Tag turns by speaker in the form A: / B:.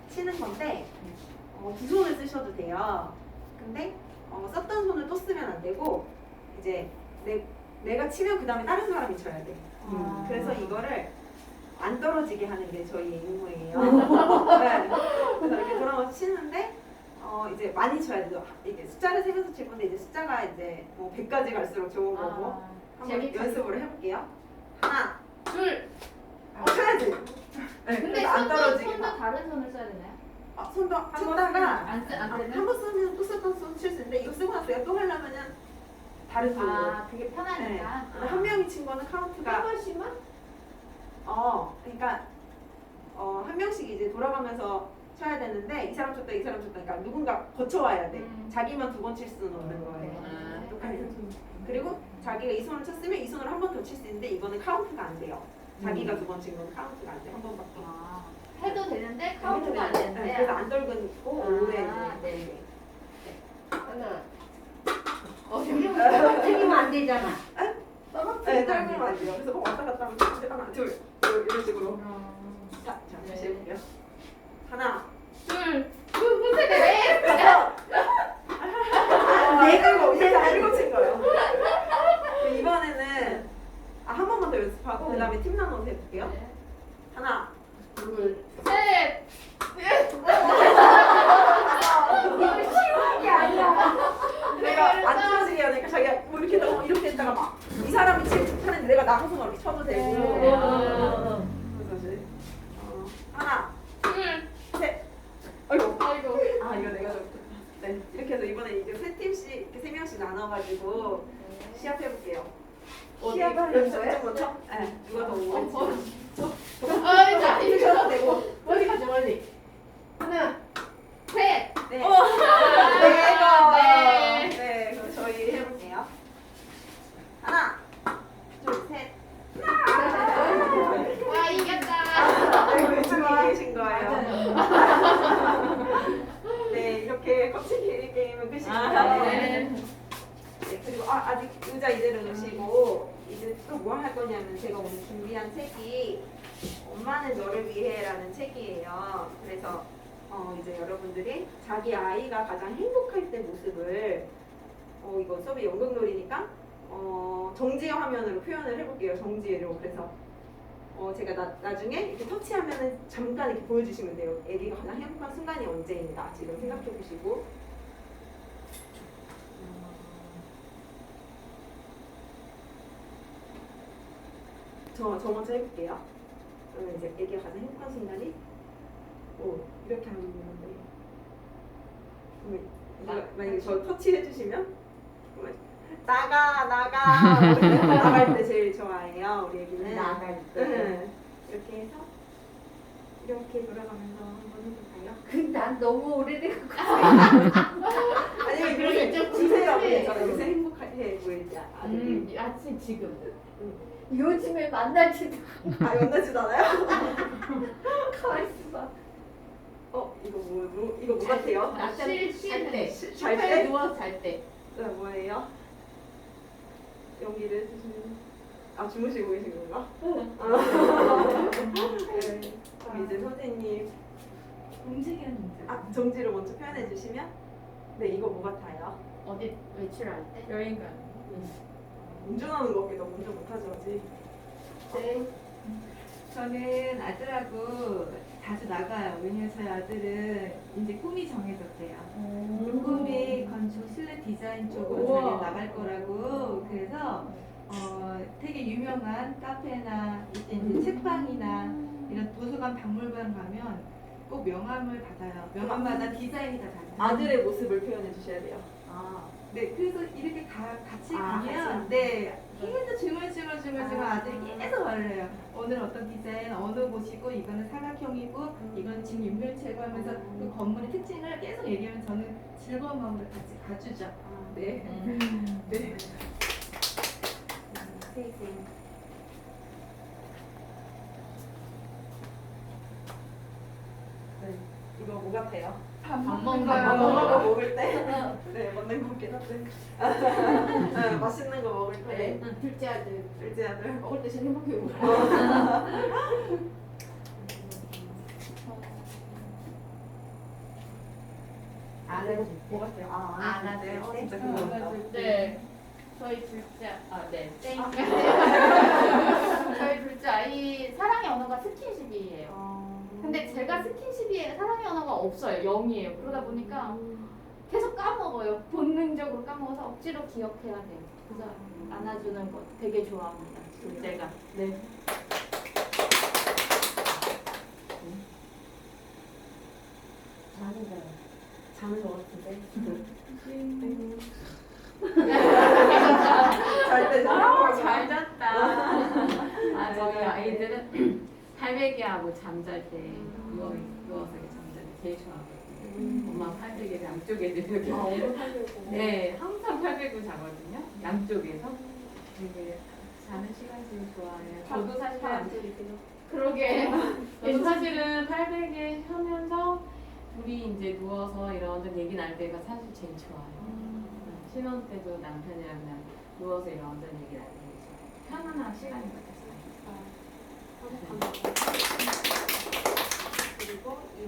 A: 치는 건데 두 손을 쓰셔도 돼요. 근데 썼던 손을 또 쓰면 안 되고 이제 내가 치면 그 다음에 다른 사람이 쳐야 돼. 그래서 이거를 안 떨어지게 하는 게 저희의 임무예요. 네. 그래서 이렇게 돌아가서 치는데 이제 많이 쳐야 돼요. 이게 숫자를 세면서 칠 건데 이제 숫자가 이제 뭐 100까지 갈수록 좋은 거고 한번 연습을 해볼게요. 하나,
B: 둘.
A: 쳐야지. 네,
B: 근데
A: 안 떨어지게.
B: 손도 다른 손을 써야 되나요?
A: 손도 쳤다가
B: 안 되나?
A: 한 번 쓰면 또 썼던 손 칠 수 있는데 이거 쓰고 나서 내가 또 하려면은 다른 손으로.
B: 그게 편하니까.
A: 근데 한 명이 친 거는 카운트가
C: 한 번씩만?
A: 그러니까 한 명씩 이제 돌아가면서 쳐야 되는데 이 사람 쳤다 이 사람 쳤다 그러니까 누군가 거쳐와야 돼. 자기만 두 번 칠 수는 없는 거예요. 똑같이. 그리고 자기가 이 손을 쳤으면 이 손으로 한 번 더 칠 수 있는데 이거는 카운트가 안 돼요. 자기가 두 번 친 건 카운트가 안 돼. 한 번밖에.
B: 해도 되는데 카운트가 안 되는데.
A: 네, 그래서 안 떨고 오래.
B: 네.
C: 하나.
B: 어려워.
C: 떨어뜨리면 안 되잖아.
A: 네, 떨면 안 돼요. 그래서 왔다 갔다 하면 하나, 둘, 이런 식으로. 자, 다시 해볼게요. 하나,
B: 둘. 네.
A: 내가 이렇게 알고 친 거예요. 이번에는 한 번만 더 연습하고 그 다음에 팀 나눠서 해볼게요. 하나,
C: 둘.
B: 셋.
C: 이거 쉬운 게 아니야.
A: 내가 안 떨어지게 하니까 자기가 뭐 이렇게 했다가 이렇게 했다가 막 이 사람이 하는데 내가 나가서 이렇게 쳐도 되고. 그래서 이제 하나,
B: 둘.
A: 셋. 아이고.
B: 아이고.
A: 이거 내가 좀. 네, 이렇게 해서 이번에 이제 세 팀씩 이렇게 세 명씩 나눠가지고 시합해볼게요.
C: 시합하는 거예요?
A: 먼저? 네, 누가 더 오래
B: 자,
A: 치면 쳐도 되고.
C: 멀리 가자, 멀리. 하나.
B: 셋.
A: 네.
B: 네.
A: 네, 그럼 저희 해볼게요. 하나, 둘, 셋.
B: 와, 이겼다.
A: 네, 이쪽에 계신 거예요. 네, 이렇게 컵치기 게임은 끝입니다.
B: 네.
A: 네, 그리고 아직 의자 이대로 놓으시고 이제 또 뭐 할 거냐면 제가 오늘 준비한 책이 엄마는 너를 위해라는 책이에요. 그래서 이제 여러분들이 자기 아이가 가장 행복할 때 모습을 이거 수업이 연극놀이니까 정지의 화면으로 표현을 해볼게요. 정지로. 그래서 제가 나중에 이렇게 터치하면은 잠깐 이렇게 보여주시면 돼요. 애기가 가장 행복한 순간이 언제인가 지금 생각해 보시고. 저 먼저 해볼게요. 그러면 이제 애기가 가장 행복한 순간이 이렇게 하는 건데. 만약에 저 터치 해주시면 나갈 때 제일 좋아해요. 우리 애기는
C: 나갈 때.
A: 이렇게 해서 이렇게 돌아가면서 한번 해볼까요?
C: 난 너무 오래된 것
A: 아니면
B: 그러게 좀
A: 주세요.
B: 궁금해.
A: 요새 행복해 보이지 아들이.
B: 아침 지금.
C: 요즘에 만나지도
A: 연나지도 않아요?
C: 가만있어 봐.
A: 이거 뭐 같아요?
B: 쉴 때.
A: 잘 때?
B: 소파에 누워서 잘 때.
A: 네, 뭐예요? 연기를 해주시면 주무시고 계신 건가? 네. 그럼 이제 선생님
B: 움직이는
A: 정지를 먼저 표현해 주시면 이거 뭐 같아요?
B: 어디 외출할 때? 여행 가는 거.
A: 운전하는 거 너무 운전 못하죠 아직.
D: 네. 저는 아들하고 자주 나가요. 왜냐면 저희 아들은 이제 꿈이 정해졌대요. 꿈이 건축 실내 디자인 쪽으로
B: 우와.
D: 자기가 나갈 거라고. 그래서 되게 유명한 카페나 이제 책방이나 이런 도서관 박물관 가면 꼭 명함을 받아요. 명함마다 디자인이 다 달라요.
A: 아들의 모습을 표현해 주셔야 돼요.
D: 네, 그래서 이렇게 같이 가면
A: 같이?
D: 네, 계속 주물주물 아들이 계속 말을 해요. 오늘 어떤 디자인, 어느 곳이고, 이거는 사각형이고, 이건 지금 육면체고 하면서 그 건물의 특징을 계속 얘기하면 저는 즐거운 마음으로 같이 가주죠. 네. 네.
A: 이거 뭐 같아요?
B: 밥
A: 밥
B: 먹는
A: 먹는
B: 거.
A: 거 먹을 때? 네, 먹는 거 먹긴 한데. 맛있는 거 먹을 때.
B: 둘째 아들.
A: 둘째 아들.
B: 먹을 때 제일 행복해.
A: 뭐 같아요?
C: 안아줄 때?
A: 진짜 그거.
B: 네. 저희 둘째 땡. 저희 둘째 아이 사랑의 언어가 스킨십이에요. 근데 제가 스킨십이 사랑의 언어가 없어요. 0이에요. 그러다 보니까 계속 까먹어요. 본능적으로 까먹어서 억지로 기억해야 돼요. 그래서 안아주는 거 되게 좋아합니다. 둘째가. 네.
A: 자는 것 같은데.
B: 잘 잤다. 아, 저희 아이들은 팔베개하고 잠잘 때 누워서 이렇게 잠잘 때 제일 좋아하거든요. 엄마 팔베개 양쪽에 이렇게. 네, 항상 팔베개 자거든요. 양쪽에서. 되게 자는 시간 제일 좋아해요. 저도 사실 그러게. 저도 사실은 팔베개 하면서 둘이 이제 누워서 이런저런 얘기 날 때가 사실 제일 좋아요. 신혼 때도 남편이랑 그냥 누워서 이런저런 얘기 날 때 편안한 시간인 것 같아요.